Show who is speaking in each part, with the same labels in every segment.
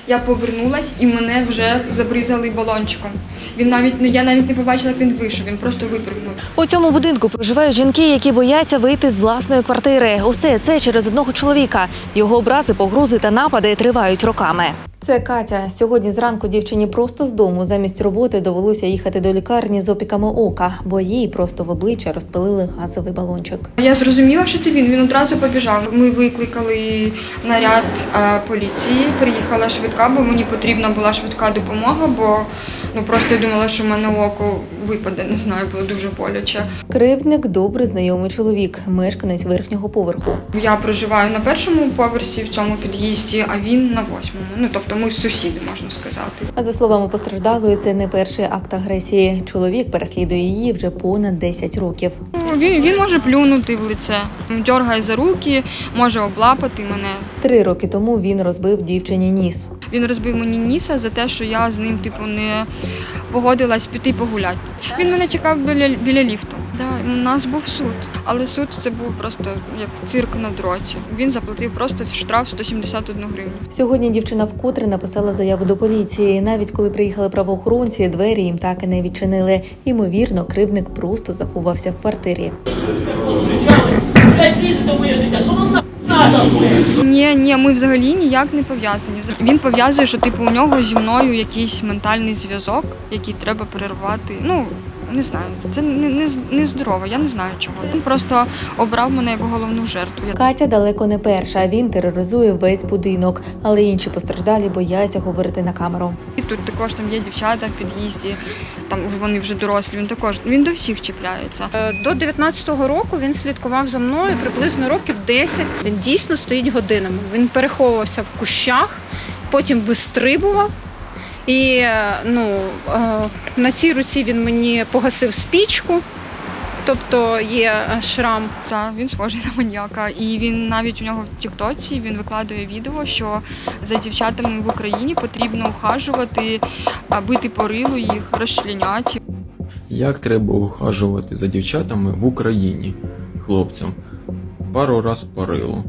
Speaker 1: Я повернулась і мене вже забризали балончиком. Я навіть не побачила, як він вийшов, він просто випрыгнув.
Speaker 2: У цьому будинку проживають жінки, які бояться вийти з власної квартири. Усе це через одного чоловіка. Його образи, погрози та напади тривають роками. Це Катя. Сьогодні зранку дівчині просто з дому замість роботи довелося їхати до лікарні з опіками ока, бо їй просто в обличчя розпилили газовий балончик.
Speaker 1: Я зрозуміла, що це він одразу побіжав. Ми викликали наряд поліції, приїхала швидка, бо мені потрібна була швидка допомога, бо просто я думала, що в мене око випаде, не знаю, було дуже боляче.
Speaker 2: Кривдник – добре знайомий чоловік, мешканець верхнього поверху.
Speaker 1: Я проживаю на першому поверсі в цьому під'їзді, а він на 8-му. Тобто ми сусіди, можна сказати.
Speaker 2: А за словами постраждалої, це не перший акт агресії. Чоловік переслідує її вже понад 10 років.
Speaker 1: Він може плюнути в лице, дьоргає за руки, може облапати мене.
Speaker 2: 3 роки тому він розбив дівчині ніс.
Speaker 1: Він розбив мені ніса за те, що я з ним не погодилась піти погуляти. Він мене чекав біля ліфту. У нас був суд, але суд це був просто як цирк на дроті. Він заплатив просто штраф 171 гривню.
Speaker 2: Сьогодні дівчина вкотре написала заяву до поліції. Навіть коли приїхали правоохоронці, двері їм так і не відчинили. Ймовірно, кривдник просто заховався в квартирі.
Speaker 1: Ні, ми взагалі ніяк не пов'язані. Він пов'язує, що у нього зі мною якийсь ментальний зв'язок, який треба перервати. Не знаю, це не здорово, я не знаю чого. Він просто обрав мене як головну жертву.
Speaker 2: Катя далеко не перша, він тероризує весь будинок, але інші постраждалі бояться говорити на камеру.
Speaker 1: І тут також є дівчата в під'їзді, вони вже дорослі, він до всіх чіпляється.
Speaker 3: До 19-го року він слідкував за мною приблизно років 10. Він дійсно стоїть годинами. Він переховувався в кущах, потім вистрибував. І на цій руці він мені погасив спічку, тобто є шрам.
Speaker 1: Так, він схожий на маніяка. І він навіть у нього в тіктоці він викладає відео, що за дівчатами в Україні потрібно ухажувати, бити по рилу їх, розчленяти.
Speaker 4: Як треба ухажувати за дівчатами в Україні, хлопцям? Пару раз по рилу.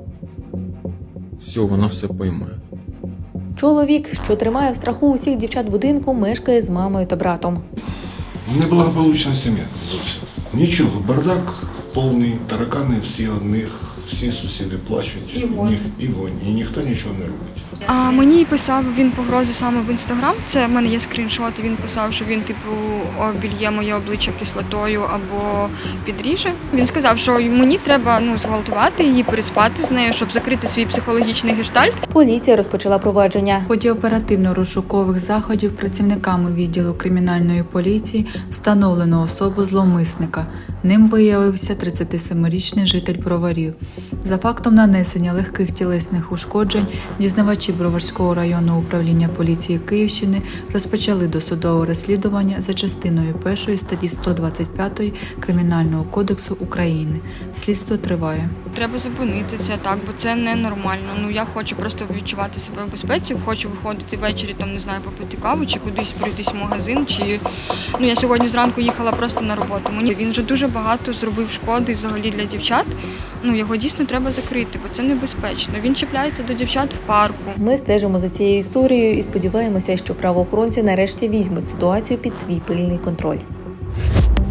Speaker 4: Все, вона все пойме.
Speaker 2: Чоловік, що тримає в страху усіх дівчат будинку, мешкає з мамою та братом.
Speaker 5: Неблагополучна сім'я зовсім. Нічого, бардак повний, таракани всі одних, всі сусіди плачуть, і вонь, і ніхто нічого не робить.
Speaker 1: А мені писав він погрози саме в Інстаграм. Це в мене є скріншоти. Він писав, що він обільє моє обличчя кислотою або підріже. Він сказав, що мені треба зґвалтувати її, переспати з нею, щоб закрити свій психологічний гештальт.
Speaker 2: Поліція розпочала провадження.
Speaker 6: В ході оперативно-розшукових заходів працівниками відділу кримінальної поліції встановлено особу зловмисника. Ним виявився 37-річний житель Броварів. За фактом нанесення легких тілесних ушкоджень дізнавачі Броварського районного управління поліції Київщини розпочали досудове розслідування за частиною 1 статті 125 Кримінального кодексу України. Слідство триває.
Speaker 1: Треба зупинити це так, бо це ненормально. Я хочу просто відчувати себе в безпеці, хочу виходити ввечері, попити каву, чи кудись пройтись в магазин, чи я сьогодні зранку їхала просто на роботу. Він вже дуже багато зробив шкоди взагалі для дівчат. Його дійсно треба закрити, бо це небезпечно. Він чіпляється до дівчат в парку.
Speaker 2: Ми стежимо за цією історією і сподіваємося, що правоохоронці нарешті візьмуть ситуацію під свій пильний контроль.